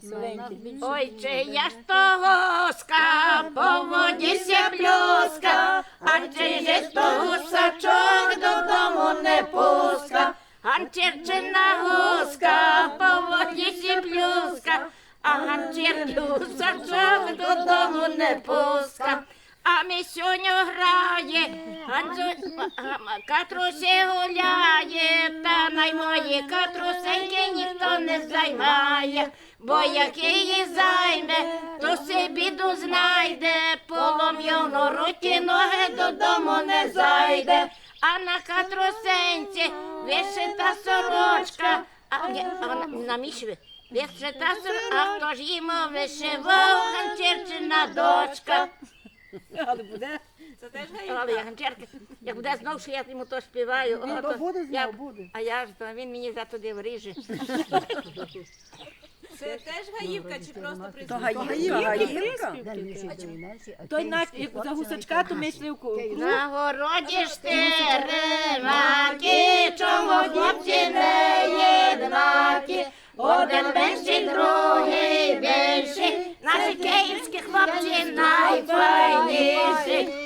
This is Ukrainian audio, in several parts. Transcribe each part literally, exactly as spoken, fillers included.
Ой, чия ж то лоска, по воді ся плюска, а чия ж то гусачок додому не пуска, ганчірчина гуска, по воді ся плюска, а ганчірки гусачок додому не пуска. А ми сьогодні грає, катрусі гуляє, та най мої катрусеньки ніхто не займає, бо як її займе, то си біду знайде, полом'яно руки ноги додому не зайде, а на катрусенці вишита сорочка, а, а на мішві вишита сорочка, а хто ж йому вишивав, ганчірчина дочка. Але буде. Це теж Але гаївка. я ганчерка, як буде знов, що я йому то співаю. Ні, о, то то буде я- знов, буде. А я ж, то він мені за туди вріже. Це теж гаївка чи просто То присутня? гаївка, гаївка. Той наш, як за гусачка, то ми йшли в круг. На городі ж ти римаки, чому хлопці не єднакі? Один менший, другий більший, наші київські хлопці найфайніші.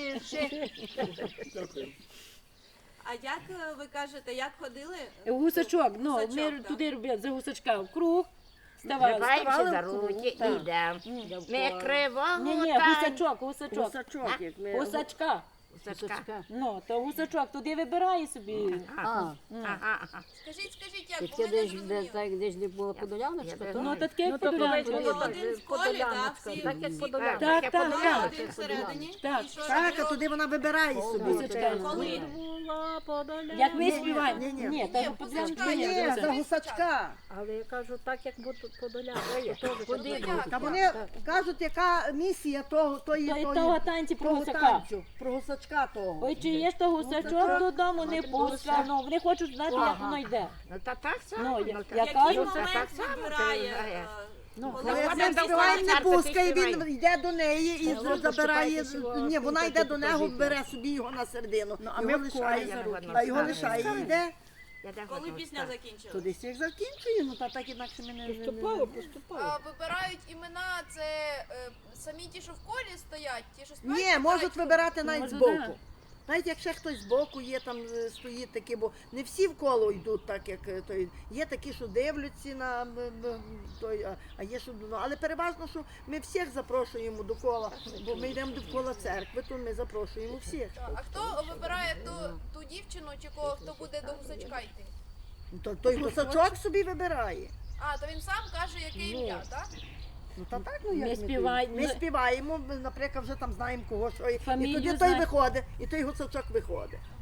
А як е, ви кажете, як ходили? В гусачок, ну, Гусачок, ми так. туди робили, за гусачка в круг. Ставали, Тримаємося ставали за в круг. руки, Так. ідемо. Ми кривого Ні, ні, танцю. гусачок, гусачок. Гусачок, як ми. Гусачка. Гусачка. Ну, то гусачок, туди вибирає собі. Ага, ага. Скажіть, скажіть, як, Таке бо ми не десь, де, зрозуміли. так, десь де була подоляночка, Я то? Ну, то таке як Було подолянка. один в колі, так, всі. Так, як всі подолянка. Так, Таке так, подолянка. так. один всередині. Так. І що Так, а робили? туди вона вибирає собі. Гусачка. Коли? Була подолянка. Як ми Ні, співаємо. ні, ні. Ні, Ні, та гусачка подолянка. є. Ні, за гусачка. Але я кажу, так, як буде подолянка. Куди? Та вони кажуть, яка місія того, тої, То й тої, того танці про того гусака. танцю, про гусачка того. Ой, чи є ж то гусачок додому не пуска. Ну, вони хочуть знати, як воно йде. Ну, та так само. Ну, я- ну, та- я Який кажу, це момент так само, вибирає? ти знаєш. е, Ну, коли коли вона ми десь співаємо, не Царка, ти пускає, він співай. йде до неї і Ну, забирає, почекайте, ні, вона що йде ти до нього, покажіть. бере собі його на середину, Ну, а його ми в колі лишає, за руки. а його лишає і йде, Я так Коли от пісня так. то закінчилась? десь їх закінчує, ну та так інакше ми не... Поступово, поступово. А, вибирають імена, це е, самі ті, що в колі стоять, ті, що співають? Ні, вибирають можуть вибирати навіть Може, збоку. да. Навіть якщо хтось збоку є, там е, стоїть такі, бо не всі в коло йдуть так, як е, той. Є такі, що дивляться на м, м, той, а, а є, що ну, але переважно, що ми всіх запрошуємо до кола, бо ми йдемо до кола церкви, то ми запрошуємо всіх. Так, а хто вибирає ту, ту дівчину, чи кого хто буде до гусачка йти? То той гусачок собі вибирає. А, то він сам каже, яке ім'я, так? Ну та так, ну Ми як ми співаємо. Ми співаємо, ми, наприклад, вже там знаємо кого що. І, і Фамілію тоді той знаємо. виходить, і той гусачок виходить.